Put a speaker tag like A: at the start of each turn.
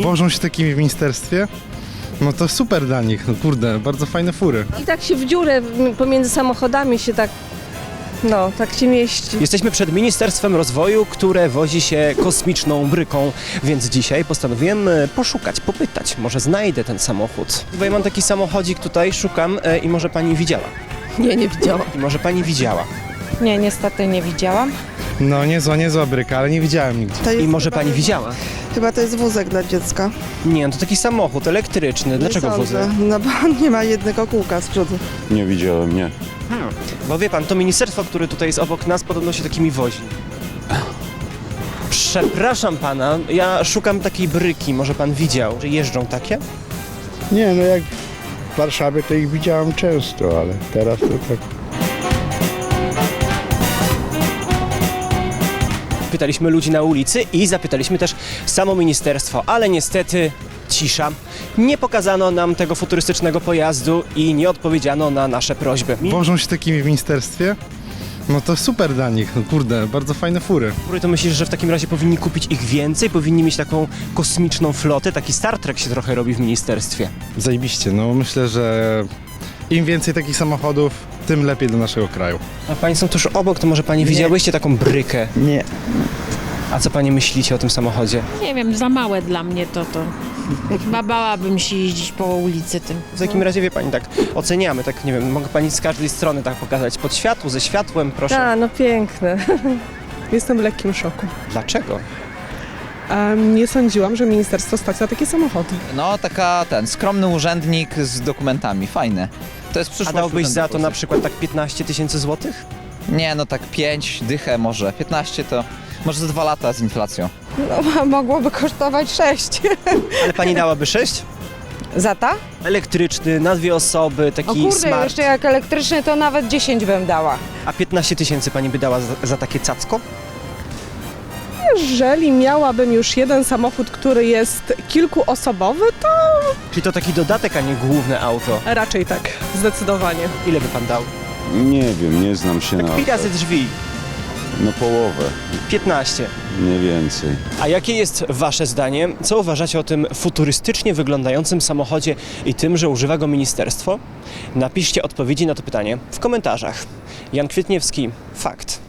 A: Wożą się takimi w ministerstwie? No to super dla nich, no kurde, bardzo fajne fury.
B: I tak się w dziurę pomiędzy samochodami się tak, no, tak się mieści.
C: Jesteśmy przed Ministerstwem Rozwoju, które wozi się kosmiczną bryką, więc dzisiaj postanowiłem poszukać, popytać, może znajdę ten samochód. Bo ja mam taki samochodzik tutaj, szukam i może pani widziała.
B: Nie widziałam.
C: I może pani widziała.
D: Nie, niestety nie widziałam.
A: No niezła bryka, ale nie widziałem nigdzie.
E: To jest
C: I może
E: chyba-
C: pani widziała.
E: Chyba to jest wózek dla dziecka.
C: Nie, no to taki samochód elektryczny. Dlaczego
E: Nie
C: wózek?
E: sądzę, no bo on nie ma jednego kółka z przodu.
F: Nie widziałem, nie.
C: Bo wie pan, to ministerstwo, które tutaj jest obok nas, podobno się takimi wozi. Przepraszam pana, ja szukam takiej bryki, może pan widział, że jeżdżą takie?
G: Nie, no jak w Warszawie to ich widziałem często, ale teraz to tak.
C: Pytaliśmy ludzi na ulicy i zapytaliśmy też samo ministerstwo, ale niestety cisza. Nie pokazano nam tego futurystycznego pojazdu i nie odpowiedziano na nasze prośby.
A: Wożą się takimi w ministerstwie? No to super dla nich, no kurde, bardzo fajne fury.
C: To myślisz, że w takim razie powinni kupić ich więcej? Powinni mieć taką kosmiczną flotę? Taki Star Trek się trochę robi w ministerstwie.
A: Zajebiście, no myślę, że im więcej takich samochodów, tym lepiej dla naszego kraju.
C: A pani są tuż obok, to może pani widziałyście taką brykę?
G: Nie.
C: A co pani myślicie o tym samochodzie?
D: Nie wiem, za małe dla mnie to. Chyba bałabym się jeździć po ulicy tym.
C: W takim razie wie pani, tak oceniamy, tak nie wiem, mogę pani z każdej strony tak pokazać, pod światło, ze światłem, proszę.
B: Tak, no piękne.
H: Jestem w lekkim szoku.
C: Dlaczego?
H: Nie sądziłam, że ministerstwo stać na takie samochody.
I: No, skromny urzędnik z dokumentami, fajne. To jest
C: A
I: przyszłość
C: dałbyś za to
I: urzędów
C: na przykład tak 15 tysięcy złotych?
I: Nie, no tak 5, dychę może, 15 to może za 2 lata z inflacją.
D: No, mogłoby kosztować 6.
C: Ale pani dałaby 6?
D: Za ta?
C: Elektryczny, na 2 osoby,
D: O
C: taki
D: kurde,
C: smart.
D: jeszcze jak elektryczny to nawet 10 bym dała.
C: A 15 tysięcy pani by dała za takie cacko?
H: Jeżeli miałabym już jeden samochód, który jest kilkuosobowy, to
C: Czyli to taki dodatek, a nie główne auto.
H: raczej tak, zdecydowanie.
C: Ile by pan dał?
F: Nie wiem, nie znam się na...
C: Tak 5 razy drzwi.
F: No połowę,
C: 15.
F: nie więcej.
C: A jakie jest wasze zdanie? Co uważacie o tym futurystycznie wyglądającym samochodzie i tym, że używa go ministerstwo? Napiszcie odpowiedzi na to pytanie w komentarzach. Jan Kwietniewski, Fakt.